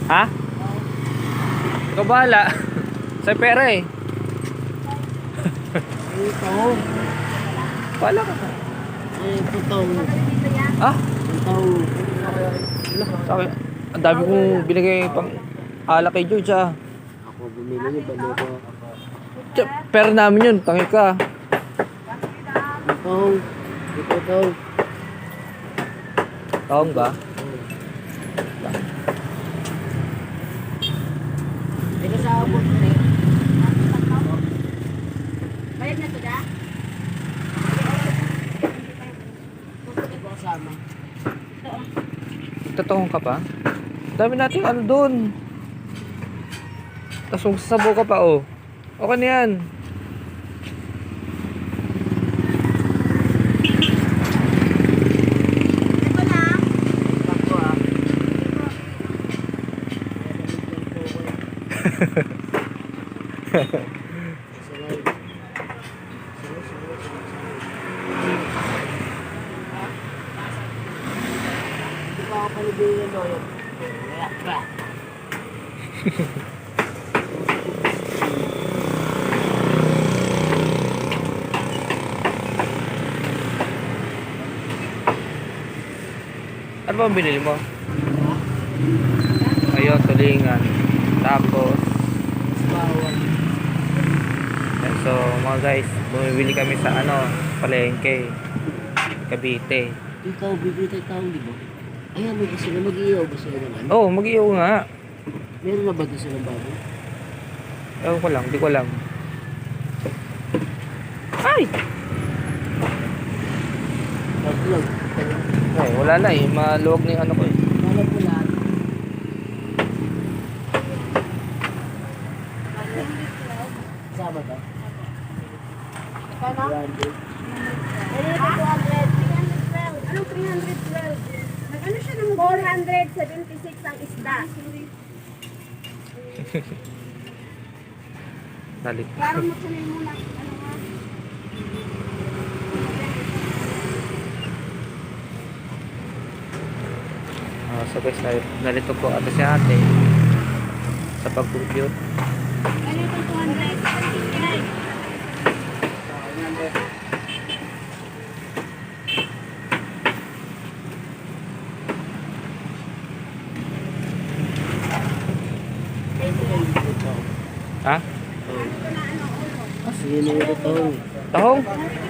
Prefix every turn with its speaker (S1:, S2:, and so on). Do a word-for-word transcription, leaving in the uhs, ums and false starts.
S1: Ha? Ikaw bahala. Sa pera eh.
S2: Ay, taho.
S1: Bahala ka.
S2: Ay, taho.
S1: Ah?
S2: Taho.
S1: Sa akin, ang dami kong binigay pang alak kay George ah.
S2: Ako bumili niya, balo ko.
S1: Tsa, pera namin yun, tangi ka.
S2: Taho. Ito taho.
S1: Taong ba?
S2: Ay, kasabot mo eh.
S3: Bayad na to da?
S2: Ito kasama.
S1: Totoong ka pa? Dami natin ano doon. Tapos magsasabaw ka pa oh. Okay na yan.
S3: Ito na.
S2: Ako ah. Hindi pa ako panibigan mo yun. Kaya, kaya.
S1: Ano ba ang binili mo? Ayun, tulingan. Tapos,
S2: Bawal.
S1: yan. So mga guys, bumibili kami sa ano, palengke. Cavite.
S2: Ikaw, bibili tayo tao, di ba? Ayan, may gusto na mag-iyaw. Gusto na naman.
S1: Oh, mag-iyo nga.
S2: Meron na ba gusto ng bago?
S1: Ewan ko lang, di ko alam. Ay!
S2: Vlog.
S1: Ay, wala na eh. Maluwag na yung ano ko eh.
S2: Wala po lahat. Kasama ka?
S3: Ito na?
S2: One, two.
S3: two hundred. Anong three hundred twelve? Nag-ano siya ng four hundred seventy-six ang isda.
S1: Dalit.
S3: Klaro mo sa muna. Ano nga?
S1: Ah, so guys, nal- nalito po ata si ate sa pag-compute.
S3: Ano itong two hundred seventy-nine?
S1: Ha?
S2: Sige na yung ito.
S1: Tahong?